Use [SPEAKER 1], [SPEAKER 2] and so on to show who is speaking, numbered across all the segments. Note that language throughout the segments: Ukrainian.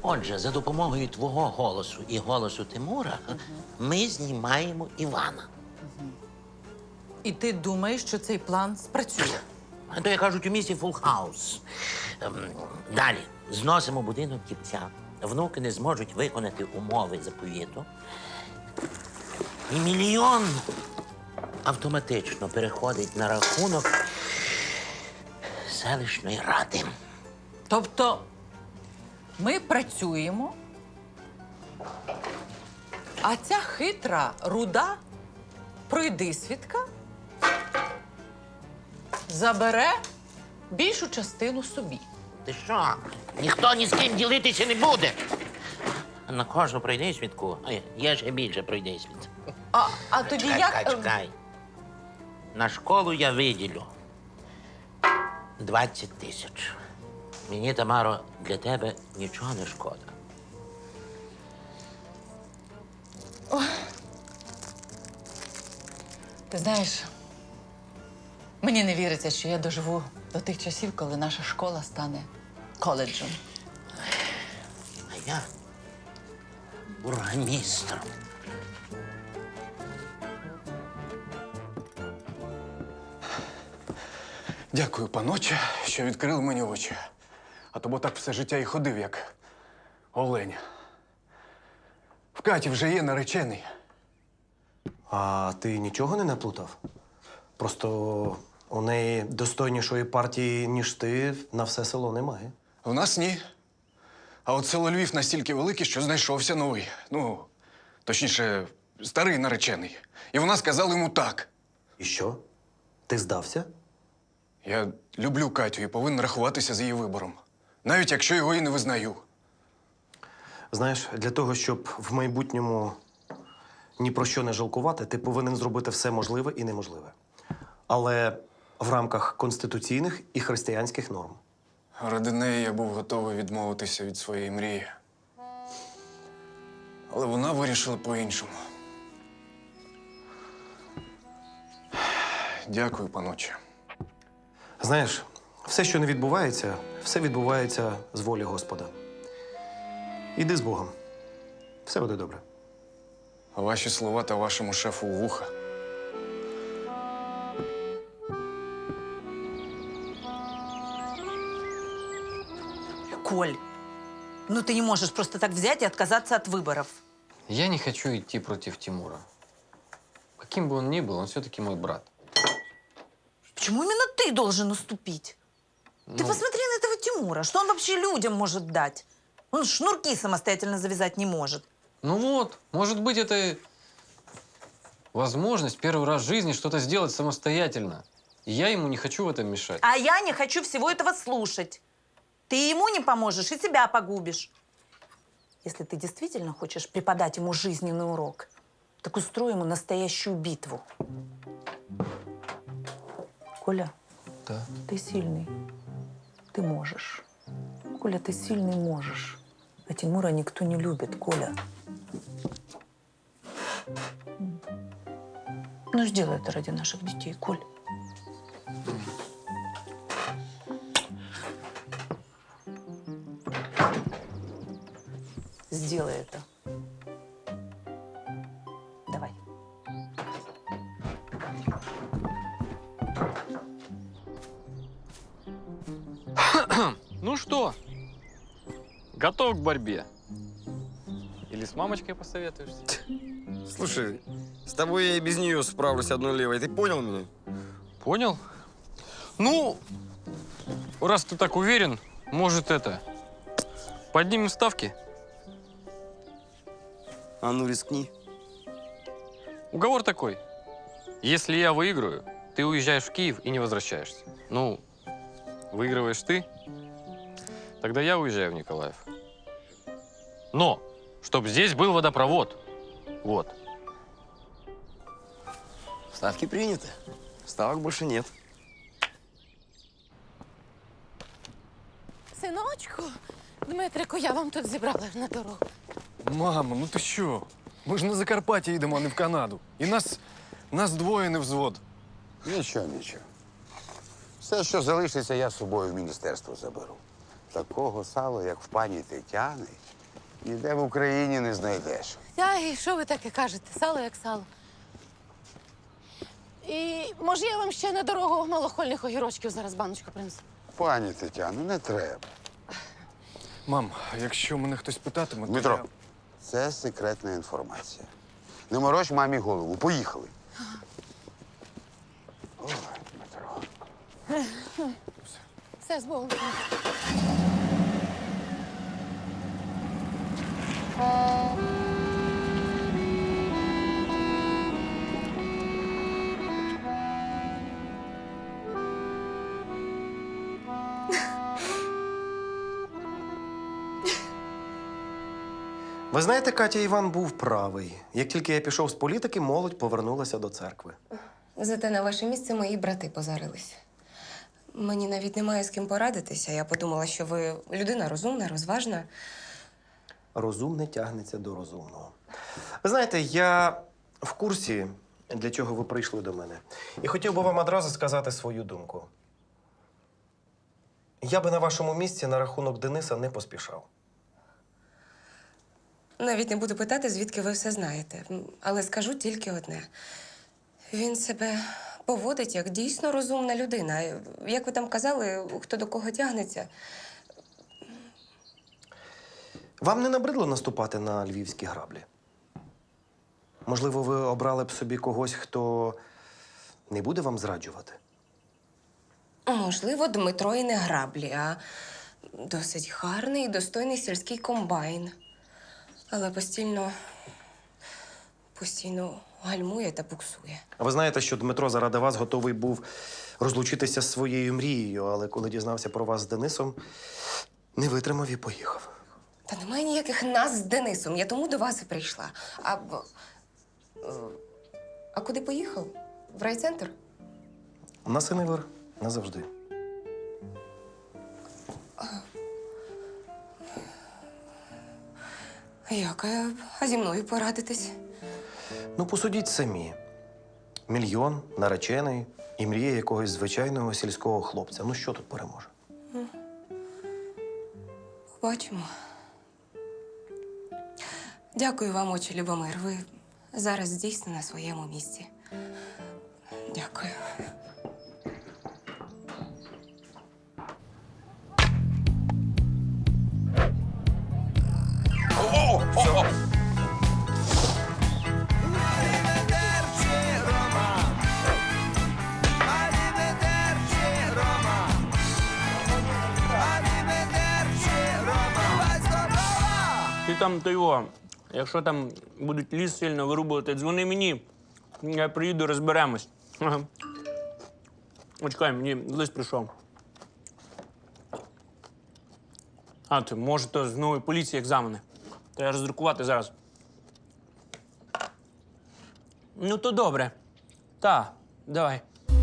[SPEAKER 1] Отже, за допомогою твого голосу і голосу Тимура ми знімаємо Івана.
[SPEAKER 2] І ти думаєш, що цей план спрацює?
[SPEAKER 1] А то, як кажуть, у місті фул хаус. Далі. Зносимо будинок дівця. Внуки не зможуть виконати умови заповіту. І мільйон автоматично переходить на рахунок селищної ради.
[SPEAKER 2] Тобто ми працюємо, а ця хитра, руда пройдисвідка забере більшу частину собі.
[SPEAKER 1] Ти що? Ніхто ні з ким ділитися не буде. На кожну пройдисвідку є ще більше пройдисвіт.
[SPEAKER 2] А тоді
[SPEAKER 1] Чекай,
[SPEAKER 2] як...
[SPEAKER 1] чекай. На школу я виділю 20 тисяч. Мені, Тамаро, для тебе нічого не шкода.
[SPEAKER 2] Ти знаєш, мені не віриться, що я доживу до тих часів, коли наша школа стане коледжем.
[SPEAKER 1] А я бургомістром.
[SPEAKER 3] Дякую, паноче, що відкрили мені очі. А то бо так все життя і ходив, як олень. В Каті вже є наречений.
[SPEAKER 4] А ти нічого не наплутав? Просто у неї достойнішої партії, ніж ти, на все село немає.
[SPEAKER 3] В нас ні. А от село Львів настільки велике, що знайшовся новий. Ну, точніше, старий наречений. І вона сказала йому так.
[SPEAKER 4] І що? Ти здався?
[SPEAKER 3] Я люблю Катю і повинен рахуватися з її вибором. Навіть якщо його і не визнаю.
[SPEAKER 4] Знаєш, для того, щоб в майбутньому ні про що не жалкувати, ти повинен зробити все можливе і неможливе. Але в рамках конституційних і християнських норм.
[SPEAKER 3] Ради неї я був готовий відмовитися від своєї мрії. Але вона вирішила по-іншому. Дякую, паноче.
[SPEAKER 4] Знаєш, все, що не відбувається, все відбувається з волі Господа. Іди з Богом. Все буде добре.
[SPEAKER 3] Ваші слова та вашому шефу у вуха.
[SPEAKER 5] Коль, ну ты не можешь просто так взять и отказаться от выборов.
[SPEAKER 6] Я не хочу идти против Тимура. Каким бы он ни был, он все-таки мой брат.
[SPEAKER 5] Почему именно ты должен уступить? Ты посмотри на этого Тимура. Что он вообще людям может дать? Он шнурки самостоятельно завязать не может.
[SPEAKER 6] Ну вот, может быть, это возможность первый раз в жизни что-то сделать самостоятельно. И я ему не хочу в этом мешать.
[SPEAKER 5] А я не хочу всего этого слушать. Ты ему не поможешь и себя погубишь. Если ты действительно хочешь преподать ему жизненный урок, так устрой ему настоящую битву. Коля,
[SPEAKER 6] Да.
[SPEAKER 5] ты сильный. Ты можешь. Коля, ты сильный можешь. А Тимура никто не любит, Коля. Ну, сделай это ради наших детей, Коль. Сделай это. Давай.
[SPEAKER 6] Ну что, готов к борьбе? Или с мамочкой посоветуешься?
[SPEAKER 7] Слушай, с тобой я и без нее справлюсь одной левой. Ты понял меня?
[SPEAKER 6] Понял? Ну, раз ты так уверен, может это, поднимем ставки?
[SPEAKER 7] А ну рискни.
[SPEAKER 6] Уговор такой. Если я выиграю, ты уезжаешь в Киев и не возвращаешься. Ну, выигрываешь ты, тогда я уезжаю в Николаев. Но, чтобы здесь был водопровод. Вот.
[SPEAKER 7] Ставки приняты. Ставок больше нет.
[SPEAKER 8] Синочку, Дмитрику, я вам тут зібрала на дорогу.
[SPEAKER 3] Мамо, ну ти що? Ми ж на Закарпаття їдемо, а не в Канаду. І нас двоє не взвод.
[SPEAKER 9] Нічого, нічого. Все, що залишиться, я з собою в міністерство заберу. Такого сала, як в пані Тетяни, Ніде в Україні не знайдеш.
[SPEAKER 8] Та і що ви таке кажете? Сало як сало. І може я вам ще на дорогу малохольних огірочків зараз баночку принесу?
[SPEAKER 9] Пані Тетяно, не треба.
[SPEAKER 3] Мам, якщо мене хтось питатиме, то
[SPEAKER 9] Дмитро,
[SPEAKER 3] я...
[SPEAKER 9] це секретна інформація. Не морочь мамі голову. Поїхали. Ой, Дмитро.
[SPEAKER 8] Все, з Богом.
[SPEAKER 4] Ви знаєте, Катя, Іван був правий. Як тільки я пішов з політики, молодь повернулася до церкви.
[SPEAKER 10] Зате на ваше місце мої брати позарились. Мені навіть немає з ким порадитися. Я подумала, що ви людина розумна, розважна.
[SPEAKER 4] Розумне тягнеться до розумного. Ви знаєте, я в курсі, для чого ви прийшли до мене. І хотів би вам одразу сказати свою думку. Я би на вашому місці на рахунок Дениса не поспішав.
[SPEAKER 10] Навіть не буду питати, звідки ви все знаєте. Але скажу тільки одне. Він себе поводить як дійсно розумна людина. Як ви там казали, хто до кого тягнеться.
[SPEAKER 4] Вам не набридло наступати на львівські граблі? Можливо, ви обрали б собі когось, хто не буде вам зраджувати?
[SPEAKER 10] Можливо, Дмитро і не граблі, а досить гарний і достойний сільський комбайн. Але постійно гальмує та буксує.
[SPEAKER 4] А ви знаєте, що Дмитро заради вас готовий був розлучитися з своєю мрією, але коли дізнався про вас з Денисом, не витримав і поїхав.
[SPEAKER 10] Та немає ніяких нас з Денисом. Я тому до вас і прийшла. А куди поїхав? В райцентр?
[SPEAKER 4] На Синевир назавжди.
[SPEAKER 10] Як? А зі мною порадитись?
[SPEAKER 4] Ну, посудіть самі. Мільйон, наречений і мріє якогось звичайного сільського хлопця. Ну, що тут переможе?
[SPEAKER 10] Побачимо. Дякую вам, отче Любомир. Ви зараз дійсно на своєму місці. Дякую.
[SPEAKER 11] Ти там то його, якщо там будуть ліс сильно вирубувати, дзвони мені, я приїду, розберемось. Ага. Очекай, мені лист прийшов. А, ти, може, то з нової поліції екзамени. Треба роздрукувати зараз. Ну, то добре. Та, давай.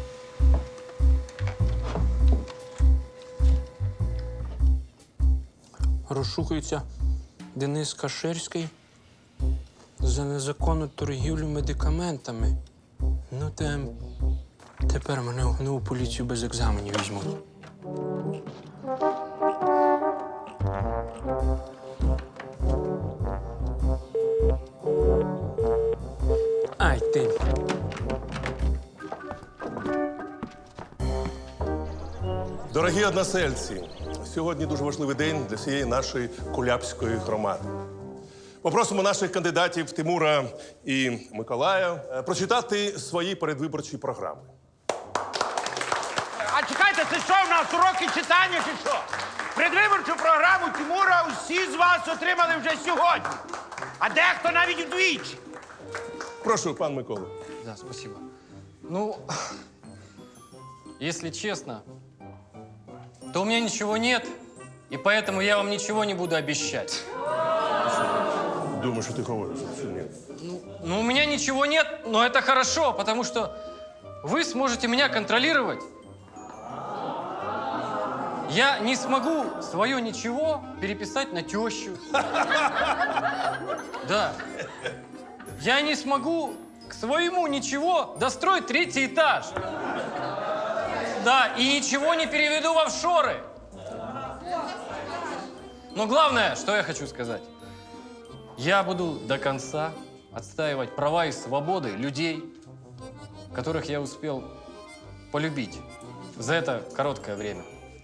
[SPEAKER 11] Розшукується Денис Каширський за незаконну торгівлю медикаментами. Ну, тепер мене в нову поліцію без екзаменів візьмуть. Ай, ти.
[SPEAKER 12] Дорогі односельці, сьогодні дуже важливий день для всієї нашої Кулябської громади. Попросимо наших кандидатів Тимура і Миколая прочитати свої передвиборчі програми.
[SPEAKER 13] А чекайте, це що в нас уроки читання чи що? Предвиборчу програму Тимура усі з вас отримали вже сьогодні. А дехто навіть вдвічі.
[SPEAKER 12] Прошу, пан Микола.
[SPEAKER 6] Да, спасибо. Ну, если честно, то у меня ничего нет, и поэтому я вам ничего не буду обещать.
[SPEAKER 12] Думаю, що ти говориш, що ні.
[SPEAKER 6] Ну, у меня ничего нет, но это хорошо, потому что вы сможете меня контролировать. Я не смогу свое ничего переписать на тещу. Да. Я не смогу к своему ничего достроить 3-й этаж. Да, и ничего не переведу в офшоры. Но главное, что я хочу сказать. Я буду до конца отстаивать права и свободы людей, которых я успел полюбить за это короткое время.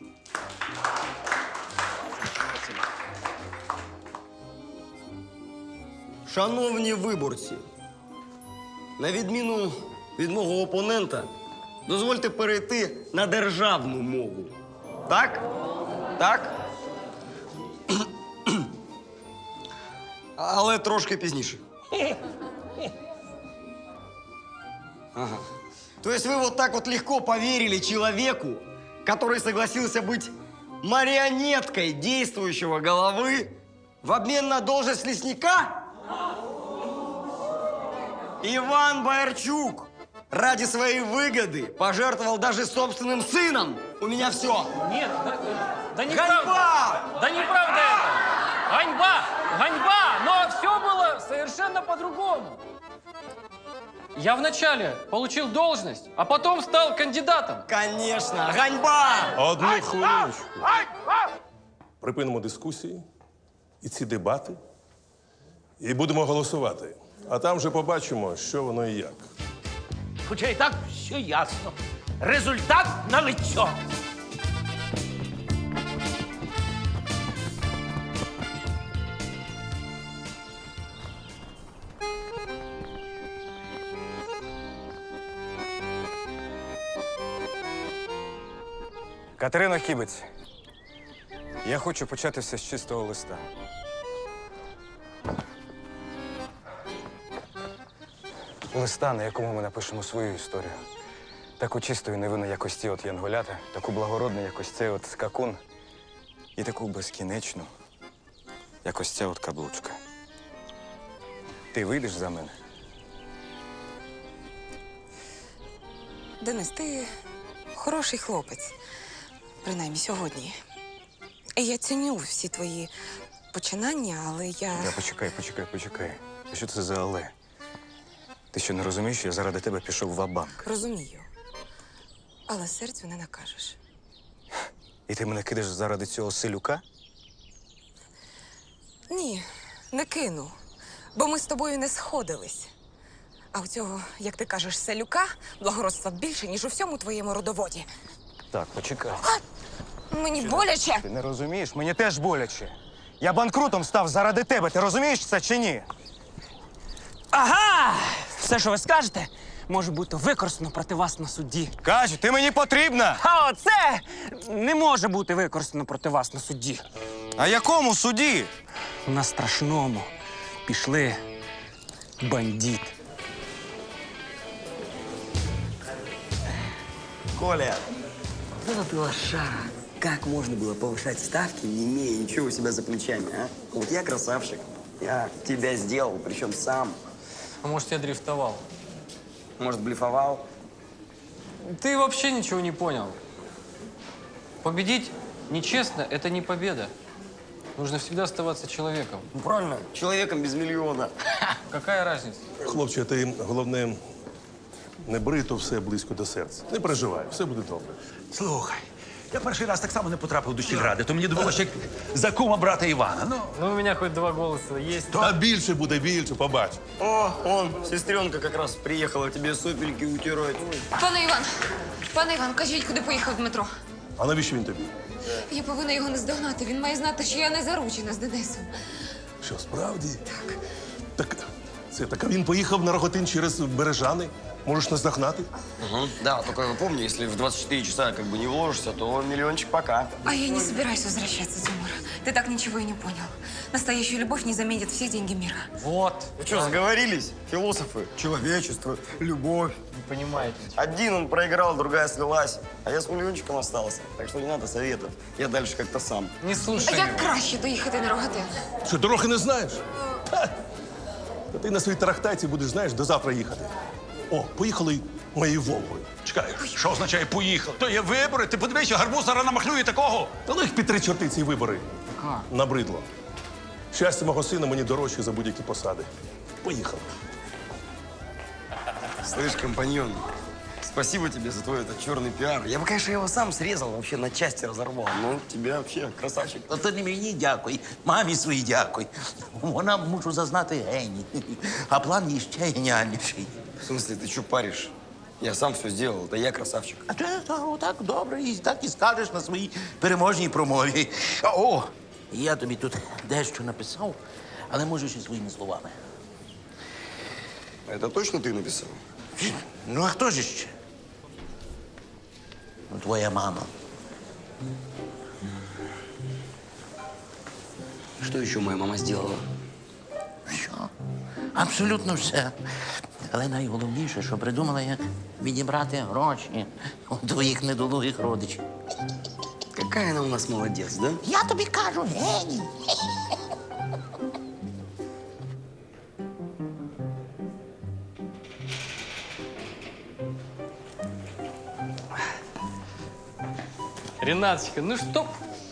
[SPEAKER 7] Шановні виборці, на відміну від мого опонента, дозвольте перейти на державну мову. Так? Так? Але трошки пізніше. Ага. То есть вы вот так вот легко поверили человеку, который согласился быть марионеткой действующего головы в обмен на должность лесника? Иван Боярчук ради своей выгоды пожертвовал даже собственным сыном. У меня все.
[SPEAKER 6] Нет, да
[SPEAKER 7] неправда.
[SPEAKER 6] Ганьба! Да неправда это! Ганьба! Ганьба! Но все было совершенно по-другому. Я вначале получил должность, а потом стал кандидатом.
[SPEAKER 7] Конечно, ганьба!
[SPEAKER 12] Одну хвилиночку. Припинимо дискусії і ці дебати, і будемо голосувати. А там вже побачимо, що воно і як.
[SPEAKER 13] Хоча і так все ясно. Результат налицьо.
[SPEAKER 3] Катерино Хібець, я хочу почати все з чистого листа. Листа, на якому ми напишемо свою історію. Таку чисту і невинну, як ось ці от янголята, таку благородну, як ось цей от скакун, і таку безкінечну, як ось ця от каблучка. Ти вийдеш за мене?
[SPEAKER 10] Денис, ти хороший хлопець. Принаймні сьогодні. І я ціню всі твої починання, але я...
[SPEAKER 3] Почекай. Що це за але? Ти що, не розумієш, що я заради тебе пішов ва-банк?
[SPEAKER 10] Розумію. Але серцю не накажеш.
[SPEAKER 3] І ти мене кидаєш заради цього селюка?
[SPEAKER 10] Ні, не кину. Бо ми з тобою не сходились. А у цього, як ти кажеш, селюка, благородства більше, ніж у всьому твоєму родоводі.
[SPEAKER 3] Так, почекай.
[SPEAKER 10] Мені боляче.
[SPEAKER 3] Ти не розумієш? Мені теж боляче. Я банкрутом став заради тебе. Ти розумієш це чи ні?
[SPEAKER 11] Ага! Все, що ви скажете, може бути використано проти вас на суді.
[SPEAKER 3] Катю, ти мені потрібна!
[SPEAKER 11] А оце не може бути використано проти вас на суді.
[SPEAKER 3] А якому суді?
[SPEAKER 11] На страшному пішли бандит.
[SPEAKER 7] Коля, ну ты лошара. Как можно было повышать ставки, не имея ничего у себя за плечами, а? Вот я красавчик. Я тебя сделал, причем сам.
[SPEAKER 6] А может, я дрифтовал?
[SPEAKER 7] Может, блефовал?
[SPEAKER 6] Ты вообще ничего не понял. Победить нечестно – это не победа. Нужно всегда оставаться человеком.
[SPEAKER 7] Ну, правильно, человеком без миллиона.
[SPEAKER 6] Какая разница?
[SPEAKER 12] Хлопче, ти, головне, не бери то все близько до серця. Не переживай, все буде добре.
[SPEAKER 13] Слухай, я перший раз так само не потрапив до сільради, то мені довелося як за кума брата Івана.
[SPEAKER 6] Ну, у меня хоть 2 голоса есть.
[SPEAKER 12] А більше буде, більше, побач.
[SPEAKER 7] О, он, сестренка как раз приехала тебе сопельки утирать.
[SPEAKER 10] Пане Іван, кажіть, куди поїхав Дмитро?
[SPEAKER 12] А навіщо він тобі?
[SPEAKER 10] Я повинна його наздогнати. Він має знати, що я не заручена з Денисом.
[SPEAKER 12] Що, справді? Так. Так а він поїхав на Роготин через Бережани. Можеш наздогнати?
[SPEAKER 7] Угу. Да, только помни, если в 24 часа как бы не вложишься, то миллиончик пока.
[SPEAKER 10] А я не собираюсь возвращаться, Тимур. Ты так ничего и не понял. Настоящую любовь не заменит все деньги мира.
[SPEAKER 6] Вот.
[SPEAKER 7] Вы что, сговорились? Философы. Человечество, любовь.
[SPEAKER 6] Не понимаете.
[SPEAKER 7] Один он проиграл, другая слилась. А я с миллиончиком остался. Так что не надо советов. Я дальше как-то сам.
[SPEAKER 6] Не слушай
[SPEAKER 10] А як
[SPEAKER 6] его.
[SPEAKER 10] краще доїхати на Рогатин?
[SPEAKER 12] Що, дороги не знаєш? Ха! Та ти на своїй тарахтайці будеш, знаєш, до завтра їхати. О, поїхали моєю Волгою. Чекай.
[SPEAKER 13] Що означає поїхав? То є вибори, ти подивися, гарбуз зараз намахлює такого.
[SPEAKER 12] Та ну їх під 3 чорти ці вибори. Набридло. Щастя мого сина мені дорожче за будь-які посади. Поїхали.
[SPEAKER 7] Слышь, компаньон, Спасибо тебе за твой этот черный пиар. Я бы, конечно, его сам срезал, вообще на части разорвал. Но тебя вообще красавчик.
[SPEAKER 1] Та це не мені дякуй, мамі своїй дякуй. Вона, мушу зазнати, геній. А план їй ще геніальніший.
[SPEAKER 7] В смысле, ты что паришь? Я сам все сделал, это я красавчик.
[SPEAKER 1] А це так добре, і так і скажеш на своїй переможній промові. О, я тобі тут дещо написав, але може ще своїми словами.
[SPEAKER 7] Это точно ты написал?
[SPEAKER 1] Ну, а хто ж ще? Ну, твоя мама.
[SPEAKER 7] Что еще моя мама сделала?
[SPEAKER 1] Що? Абсолютно все. Але найголовніше, що придумала, як відібрати гроші у твоїх недолугих родичів.
[SPEAKER 7] Какая она у нас молодец, да?
[SPEAKER 1] Я тобі кажу, геній.
[SPEAKER 6] Ренаточка, ну что?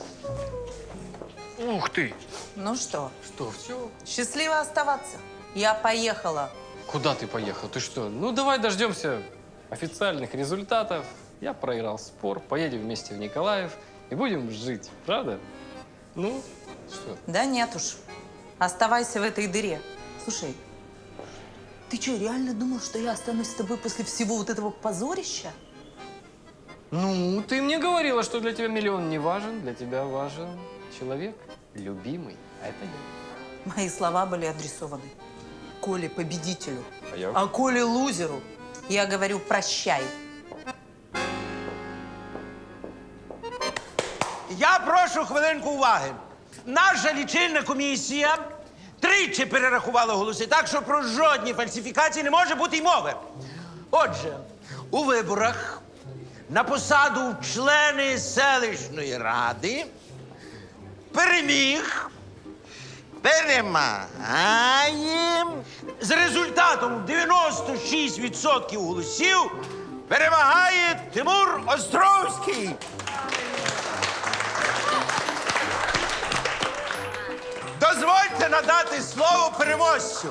[SPEAKER 6] Ух ты!
[SPEAKER 5] Ну что,
[SPEAKER 6] Что, все?
[SPEAKER 5] счастливо оставаться. Я поехала.
[SPEAKER 6] Куда ты поехал? Ты что? Ну, давай дождемся официальных результатов. Я проиграл спор, поедем вместе в Николаев и будем жить, правда? Ну, что?
[SPEAKER 5] Да нет уж. Оставайся в этой дыре. Слушай, ты что, реально думал, что я останусь с тобой после всего вот этого позорища?
[SPEAKER 6] Ну, ты мне говорила, что для тебя миллион не важен, для тебя важен человек любимый, а это я.
[SPEAKER 5] Мои слова были адресованы Коле победителю.
[SPEAKER 6] А я?
[SPEAKER 5] А Коле лузеру я говорю прощай.
[SPEAKER 13] Я прошу хвилинку уваги. Наша лічильна комісія тричі перерахувала голоси, так що про жодні фальсифікації не може бути й мови. Отже, у виборах на посаду члени селищної ради перемагає з результатом 96% голосів перемагає Тимур Островський. Дозвольте надати слово переможцю.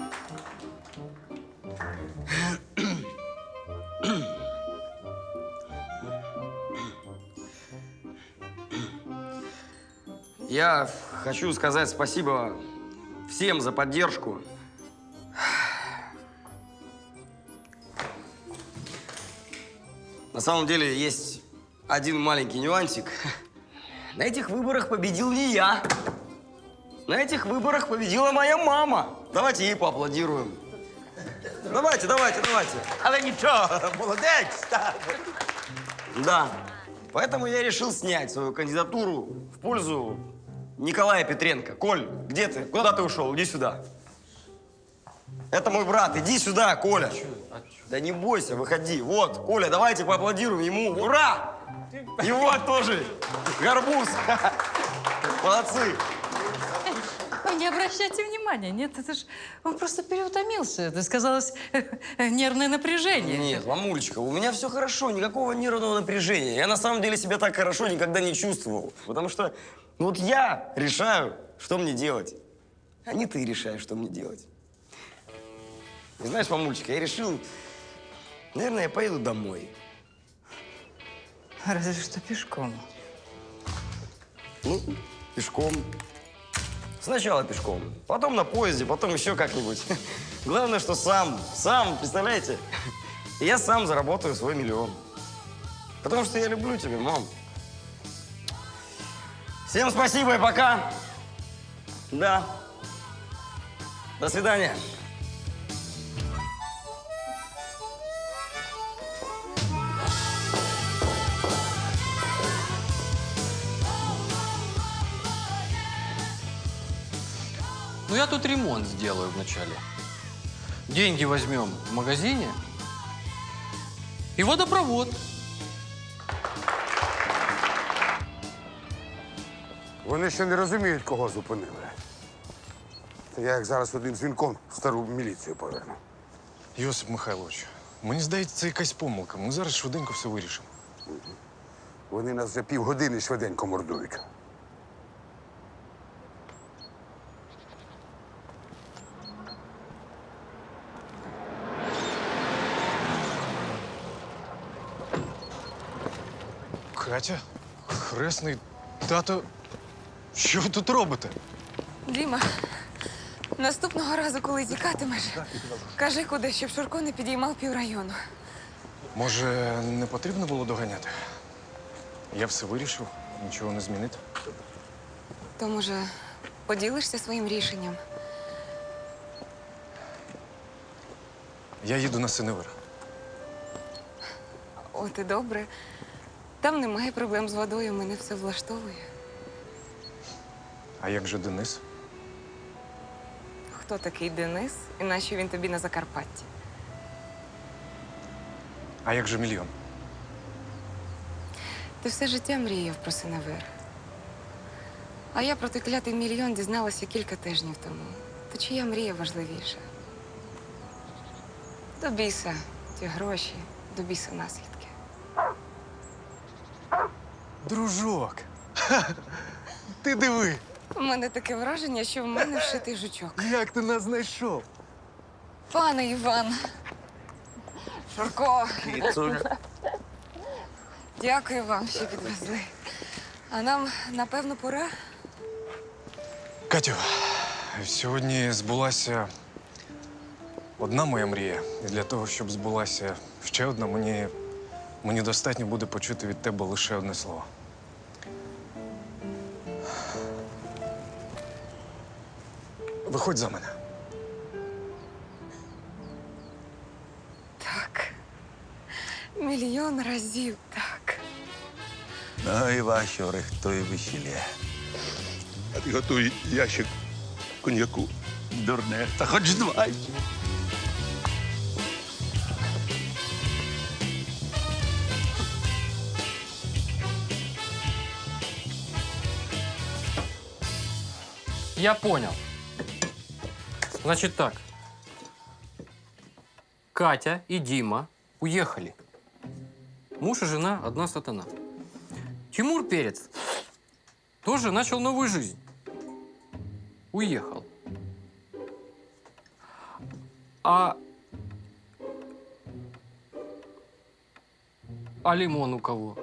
[SPEAKER 7] Я хочу сказать спасибо всем за поддержку. На самом деле есть один маленький нюансик. На этих выборах победил не я. На этих выборах победила моя мама. Давайте ей поаплодируем. Давайте.
[SPEAKER 13] Але нічого, молодець. Так.
[SPEAKER 7] Да. Поэтому я решил снять свою кандидатуру в пользу Николая Петренко. Коль, где ты? Куда ты ушел? Иди сюда. Это мой брат. Иди сюда, Коля. Да не бойся, выходи. Вот, Коля, давайте поаплодируем ему. Ура! И вот тоже Горбуз. Молодцы.
[SPEAKER 2] Ой, не обращайте внимания. Нет, это ж он просто переутомился. Это сказалось нервное напряжение.
[SPEAKER 7] Нет, мамулечка, у меня все хорошо, никакого нервного напряжения. Я на самом деле себя так хорошо никогда не чувствовал. Потому что вот я решаю, что мне делать. А не ты решаешь, что мне делать. И знаешь, мамулечка, я решил, наверное, я поеду домой.
[SPEAKER 2] Разве что пешком.
[SPEAKER 7] Ну, пешком. Сначала пешком, потом на поезде, потом еще как-нибудь. Главное, что сам, представляете? Я сам заработаю свой миллион. Потому что я люблю тебя, мам. Всем спасибо и пока. Да. До свидания.
[SPEAKER 6] Ну, я тут ремонт сделаю вначале. Деньги возьмем в магазине и водопровод.
[SPEAKER 9] Вони ще не розуміють, кого зупинили. Та я як зараз одним дзвінком стару міліцію поверну.
[SPEAKER 3] Йосип Михайлович, мені здається, це якась помилка. Ми зараз швиденько все вирішимо.
[SPEAKER 9] Вони нас вже півгодини швиденько мордують.
[SPEAKER 3] Катя, хресний, тато, що ви тут робите?
[SPEAKER 10] Діма, наступного разу, коли тікатимеш, кажи куди, щоб Шурко не підіймав піврайону.
[SPEAKER 3] Може, не потрібно було доганяти? Я все вирішив, нічого не змінити.
[SPEAKER 10] То, може, поділишся своїм рішенням?
[SPEAKER 3] Я їду на Синевир.
[SPEAKER 10] От і добре. Там немає проблем з водою, мене все влаштовує.
[SPEAKER 3] А як же Денис?
[SPEAKER 10] Хто такий Денис і нащо він тобі на Закарпатті?
[SPEAKER 3] А як же мільйон?
[SPEAKER 10] Ти все життя мріяв про Синевир. А я про той клятий мільйон дізналася кілька тижнів тому. То чия мрія важливіша? До біса ті гроші, до біса наслідки.
[SPEAKER 3] Дружок! Ти диви!
[SPEAKER 10] У мене таке враження, що в мене вшитий жучок.
[SPEAKER 3] Як ти нас знайшов?
[SPEAKER 10] Пане Іван. Шурко. Дякую вам, що підвезли. А нам, напевно, пора.
[SPEAKER 3] Катю, сьогодні збулася одна моя мрія. І для того, щоб збулася ще одна, мені достатньо буде почути від тебе лише одне слово. Виходь за мене.
[SPEAKER 10] Так. Мільйон разів так.
[SPEAKER 14] Ну і ваші рихтує весілля.
[SPEAKER 12] А ти готуй ящик коньяку.
[SPEAKER 14] Дурне, та хоч два.
[SPEAKER 6] Я понял. Значит так. Катя и Дима уехали. Муж и жена – одна сатана. Тимур Перец тоже начал новую жизнь. Уехал. А лимон у кого?